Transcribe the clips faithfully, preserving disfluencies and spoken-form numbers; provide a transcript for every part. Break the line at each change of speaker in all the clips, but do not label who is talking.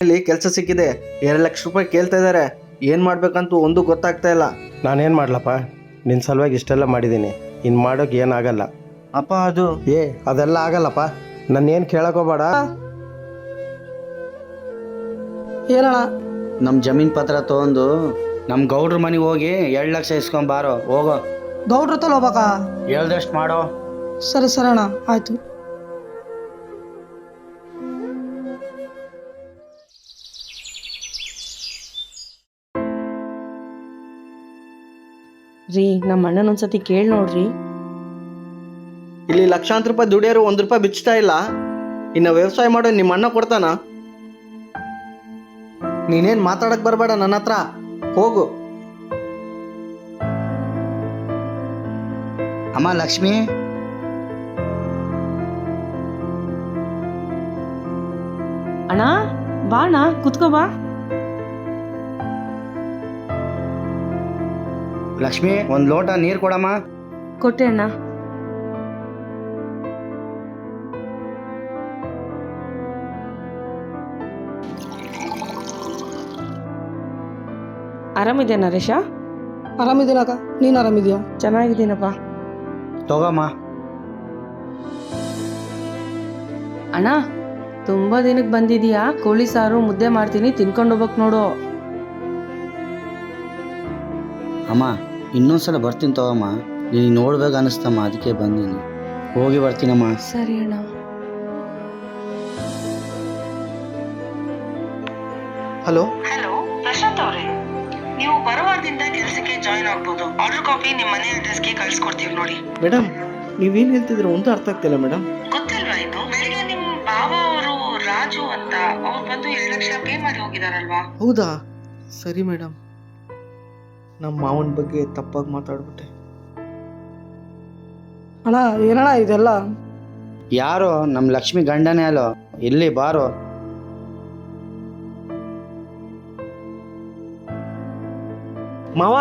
ಇಲ್ಲಿ ಕೆಲಸ ಸಿಕ್ಕಿದೆ, ಎರಡು ಲಕ್ಷ ರೂಪಾಯಿ ಕೇಳ್ತಾ ಇದ್ದಾರೆ. ಏನು ಮಾಡ್ಬೇಕಂತೂ ಒಂದು ಗೊತ್ತಾಗ್ತಾ ಇಲ್ಲ.
ನಾನೇನು ಮಾಡ್ಲಪ್ಪ, ನಿನ್ನ ಸಲುವಾಗಿ ಇಷ್ಟೆಲ್ಲ ಮಾಡಿದ್ದೀನಿ. ಇನ್ನು ಮಾಡೋಕೆ ಏನಾಗಲ್ಲ.
ಅಪ್ಪ ಅದು
ಏ ಅದೆಲ್ಲ ಆಗಲ್ಲಪ್ಪ, ನನ್ನೇನು ಕೇಳಕೋಬೇಡ.
ಏನಣ್ಣ?
ನಮ್ಮ ಜಮೀನ್ ಪತ್ರ ತಗೊಂಡು ನಮ್ಮ ಗೌಡ್ರ ಮನೆಗೆ ಹೋಗಿ ಎರಡು ಲಕ್ಷ ಇಸ್ಕೊಂಬಾರೋ. ಹೋಗೋ.
ಗೌಡ್ರ ಹತ್ರ ಹೋಗ್ಬೇಕಾ?
ಹೇಳ್ದಷ್ಟು ಮಾಡೋ.
ಸರಿ ಸರಿ ಅಣ್ಣ, ಆಯ್ತು.
ರೀ, ನಮ್ಮ ಅಣ್ಣನ ಒಂದ್ಸತಿ ಕೇಳಿ ನೋಡ್ರಿ.
ಇಲ್ಲಿ ಲಕ್ಷಾಂತರ ರೂಪಾಯಿ ದುಡಿಯೋರು ಒಂದು ರೂಪಾಯಿ ಬಿಚ್ಚತಾ ಇಲ್ಲ. ಇನ್ನು ವ್ಯವಸಾಯ ಮಾಡೋ ನಿಮ್ಮ ಅಣ್ಣ ಕೊಡ್ತಾನ? ನೀನೇನು ಮಾತಾಡಕ್ ಬರಬೇಡ ನನ್ನ ಹತ್ರ. ಹೋಗು.
ಅಮ್ಮ ಲಕ್ಷ್ಮಿ,
ಅಣ್ಣ ಬಾ ಅಣ್ಣ, ಕುತ್ಕೋ ಬಾ.
ಲಕ್ಷ್ಮಿ ಒಂದು ಲೋಟ ನೀರು ಕೊಡಮ್ಮ.
ಕೊಟ್ಟೆ ಅಣ್ಣ. ಆರಾಮಿದ್ಯಾ ನರೇಶ?
ಆರಾಮಿದ್ದೀನಕ್ಕ, ನೀನು ಆರಾಮಿದ್ಯಾ?
ಚೆನ್ನಾಗಿದ್ದೀನಪ್ಪ.
ತಗೋಮ್ಮ.
ಅಣ್ಣ, ತುಂಬಾ ದಿನಕ್ಕೆ ಬಂದಿದೀಯಾ. ಕೋಳಿ ಸಾರು ಮುದ್ದೆ ಮಾಡ್ತೀನಿ, ತಿನ್ಕೊಂಡು ಹೋಗ್ಬೇಕು ನೋಡು.
ಅಮ್ಮ ಇನ್ನೊಂದ್ಸಲ ಬರ್ತೀನಿ ತಗೋಮ್ಮ. ನೀನು ನೋಡ್ಬೇಕು ಅನಿಸ್ತಮ್ಮ, ಅದಕ್ಕೆ ಬಂದೀನಿ. ಹೋಗಿ ಬರ್ತೀನಮ್ಮ.
ಸರಿ ಅಣ್ಣ.
ಹಲೋ
ಹಲೋ ಪ್ರಶಾಂತ್ ಅವರೇ, ನೀವು ಬರುವಾರದಿಂದ ಕೆಲಸಕ್ಕೆ ಜಾಯಿನ್ ಆಗ್ಬೋದು. ಆರ್ಡರ್ ಕಾಪಿ ನಿಮ್ಮ ಮನೆ ಅಡ್ರೆಸ್ಗೆ ಕಳ್ಸಿಕೊಡ್ತೀವಿ ನೋಡಿ.
ಮೇಡಮ್, ನೀವೇನು ಹೇಳ್ತಿದ್ರೆ ಒಂದು ಅರ್ಥ ಆಗ್ತಿಲ್ಲ ಮೇಡಮ್.
ಗೊತ್ತಿಲ್ವಾ ಇದು? ಬೆಳಿಗ್ಗೆ ನಿಮ್ಮ ಬಾವ ಅವರು ರಾಜು ಅಂತ ಅವ್ರು ಬಂದು ಎರಡು ಲಕ್ಷ ಪೇ ಮಾಡಿ ಹೋಗಿದಾರಲ್ವಾ?
ಹೌದಾ? ಸರಿ ಮೇಡಮ್, ನಮ್ಮ ಮಾವನ ಬಗ್ಗೆ ತಪ್ಪಾಗಿ ಮಾತಾಡ್ಬಿಟ್ಟೆ.
ಅಣ್ಣ ಏನಣ್ಣ ಇದೆಲ್ಲ?
ಯಾರೋ ನಮ್ಮ ಲಕ್ಷ್ಮಿ ಗಂಡನೇ ಅಲ್ಲೋ, ಇಲ್ಲಿ ಬಾರೋ.
ಮಾವ,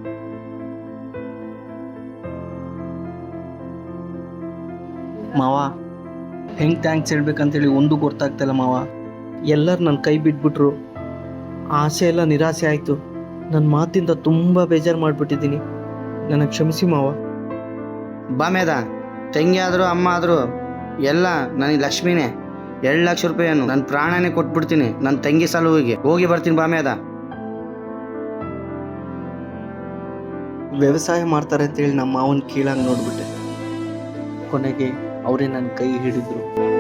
ಮಾವ ಹೆಂಗೆ ಥ್ಯಾಂಕ್ಸ್ ಹೇಳ್ಬೇಕಂತೇಳಿ ಒಂದು ಗೊತ್ತಾಗ್ತಿಲ್ಲ ಮಾವ. ಎಲ್ಲರೂ ನನ್ನ ಕೈ ಬಿಟ್ಬಿಟ್ರು. ಆಸೆ ಎಲ್ಲ ನಿರಾಸೆ ಆಯಿತು. ನನ್ನ ಮಾತಿಂದ ತುಂಬ ಬೇಜಾರು ಮಾಡಿಬಿಟ್ಟಿದ್ದೀನಿ. ನನಗೆ ಕ್ಷಮಿಸಿ ಮಾವ.
ಬಾಮೇದ ತಂಗಿ ಆದರೂ ಅಮ್ಮ ಆದರೂ ಎಲ್ಲ ನನಗೆ ಲಕ್ಷ್ಮಿನೇ. ಎರಡು ಲಕ್ಷ ರೂಪಾಯಿಯನ್ನು ನನ್ನ ಪ್ರಾಣನೇ ಕೊಟ್ಬಿಡ್ತೀನಿ ನನ್ನ ತಂಗಿ ಸಲುವಿಗೆ. ಹೋಗಿ ಬರ್ತೀನಿ ಬಾಮೇದ.
ವ್ಯವಸಾಯ ಮಾಡ್ತಾರೆ ಅಂತೇಳಿ ನಮ್ಮ ಮಾವನ ಕೀಳಾಗಿ ನೋಡ್ಬಿಟ್ಟೆ. ಕೊನೆಗೆ ಅವರೇ ನನ್ನ ಕೈ ಹಿಡಿದ್ರು.